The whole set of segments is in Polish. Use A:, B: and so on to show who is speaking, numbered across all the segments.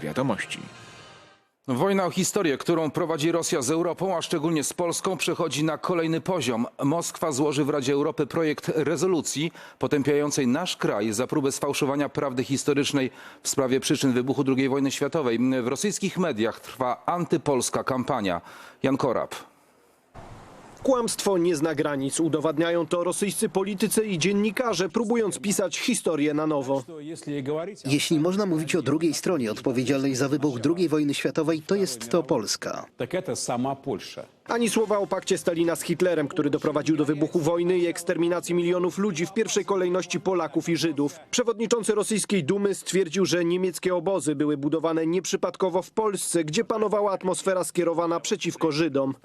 A: Wiadomości.
B: Wojna o historię, którą prowadzi Rosja z Europą, a szczególnie z Polską, przechodzi na kolejny poziom. Moskwa złoży w Radzie Europy projekt rezolucji potępiającej nasz kraj za próbę sfałszowania prawdy historycznej w sprawie przyczyn wybuchu II wojny światowej. W rosyjskich mediach trwa antypolska kampania. Jan Korab.
C: Kłamstwo nie zna granic. Udowadniają to rosyjscy politycy i dziennikarze, próbując pisać historię na nowo.
D: Jeśli można mówić o drugiej stronie odpowiedzialnej za wybuch II wojny światowej, to jest to Polska.
C: Ani słowa o pakcie Stalina z Hitlerem, który doprowadził do wybuchu wojny i eksterminacji milionów ludzi, w pierwszej kolejności Polaków i Żydów. Przewodniczący rosyjskiej Dumy stwierdził, że niemieckie obozy były budowane nieprzypadkowo w Polsce, gdzie panowała atmosfera skierowana przeciwko Żydom.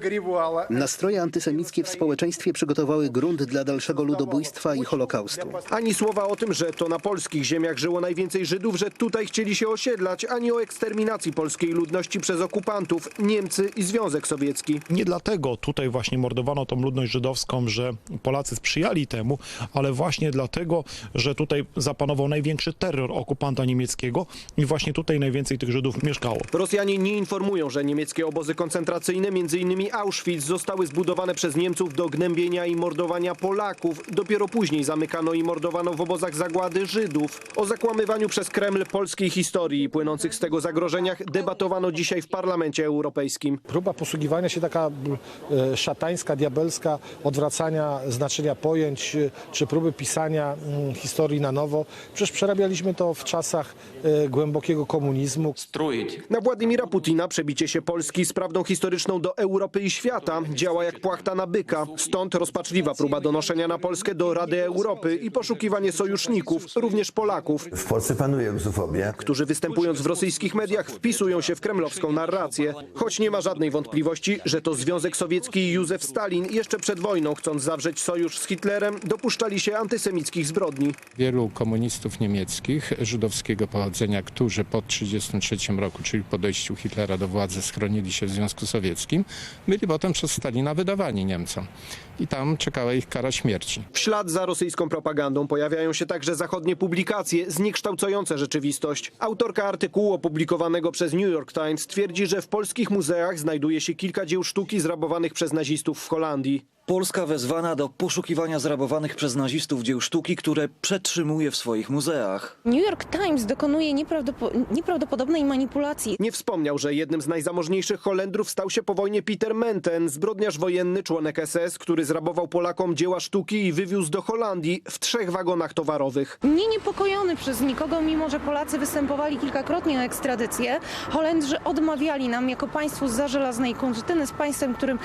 D: Nastroje antysemickie w społeczeństwie przygotowały grunt dla dalszego ludobójstwa i Holokaustu.
C: Ani słowa o tym, że to na polskich ziemiach żyło najwięcej Żydów, że tutaj chcieli się osiedlać, ani o eksterminacji polskiej ludności przez okupantów, Niemcy i Związek Sowiecki.
E: Nie dlatego tutaj właśnie mordowano tą ludność żydowską, że Polacy sprzyjali temu, ale właśnie dlatego, że tutaj zapanował największy terror okupanta niemieckiego i właśnie tutaj najwięcej tych Żydów mieszkało.
C: Rosjanie nie informują, że niemieckie obozy koncentracyjne, m.in. Auschwitz, zostały zbudowane przez Niemców do gnębienia i mordowania Polaków. Dopiero później zamykano i mordowano w obozach zagłady Żydów. O zakłamywaniu przez Kreml polskiej historii i płynących z tego zagrożeniach debatowano dzisiaj w Parlamencie Europejskim.
F: Próba posługiwania się taka szatańska, diabelska, odwracania znaczenia pojęć, czy próby pisania historii na nowo. Przecież przerabialiśmy to w czasach głębokiego komunizmu.
C: Na Władimira Putina przebicie się Polski z prawdą historyczną do Europy i świata działa jak płachta na byka. Stąd rozpaczliwa próba donoszenia na Polskę do Rady Europy i poszukiwanie sojuszników, również Polaków.
G: W Polsce panuje rusofobia,
C: Którzy występując w rosyjskich mediach wpisują się w kremlowską narrację. Choć nie ma żadnej wątpliwości, że to Związek Sowiecki i Józef Stalin jeszcze przed wojną, chcąc zawrzeć sojusz z Hitlerem, dopuszczali się antysemickich zbrodni.
H: Wielu komunistów niemieckich żydowskiego pochodzenia, którzy po 1933 roku, czyli po dojściu Hitlera do władzy, schronili się w Związku Sowieckim, byli potem przez Stalina wydawani Niemcom. I tam czekała ich kara śmierci.
C: W ślad za rosyjską propagandą pojawiają się także zachodnie publikacje zniekształcające rzeczywistość. Autorka artykułu opublikowanego przez New York Times twierdzi, że w polskich muzeach znajduje się kilka dzieł sztuki zrabowanych przez nazistów w Holandii.
I: Polska wezwana do poszukiwania zrabowanych przez nazistów dzieł sztuki, które przetrzymuje w swoich muzeach.
J: New York Times dokonuje nieprawdopodobnej manipulacji.
C: Nie wspomniał, że jednym z najzamożniejszych Holendrów stał się po wojnie Pieter Menten, zbrodniarz wojenny, członek SS, który zrabował Polakom dzieła sztuki i wywiózł do Holandii w 3 wagonach towarowych.
J: Nie niepokojony przez nikogo, mimo że Polacy występowali kilkakrotnie o ekstradycję, Holendrzy odmawiali nam jako państwu zza żelaznej kurtyny, z państwem, którym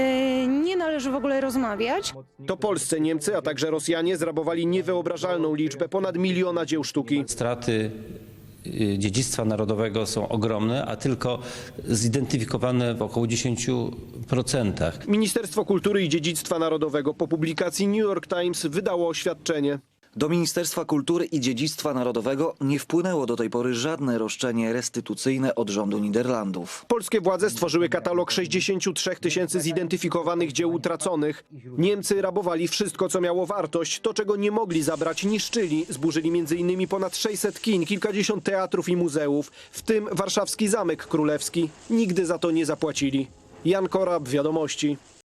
J: nie należy w ogóle rozmawiać.
C: To polscy Niemcy, a także Rosjanie zrabowali niewyobrażalną liczbę, ponad 1 miliona dzieł sztuki.
K: Straty dziedzictwa narodowego są ogromne, a tylko zidentyfikowane w około 10%.
C: Ministerstwo Kultury i Dziedzictwa Narodowego po publikacji New York Times wydało oświadczenie.
I: Do Ministerstwa Kultury i Dziedzictwa Narodowego nie wpłynęło do tej pory żadne roszczenie restytucyjne od rządu Niderlandów.
C: Polskie władze stworzyły katalog 63 000 zidentyfikowanych dzieł utraconych. Niemcy rabowali wszystko, co miało wartość. To, czego nie mogli zabrać, niszczyli. Zburzyli m.in. ponad 600 kin, kilkadziesiąt teatrów i muzeów, w tym warszawski Zamek Królewski. Nigdy za to nie zapłacili. Jan Korab, Wiadomości.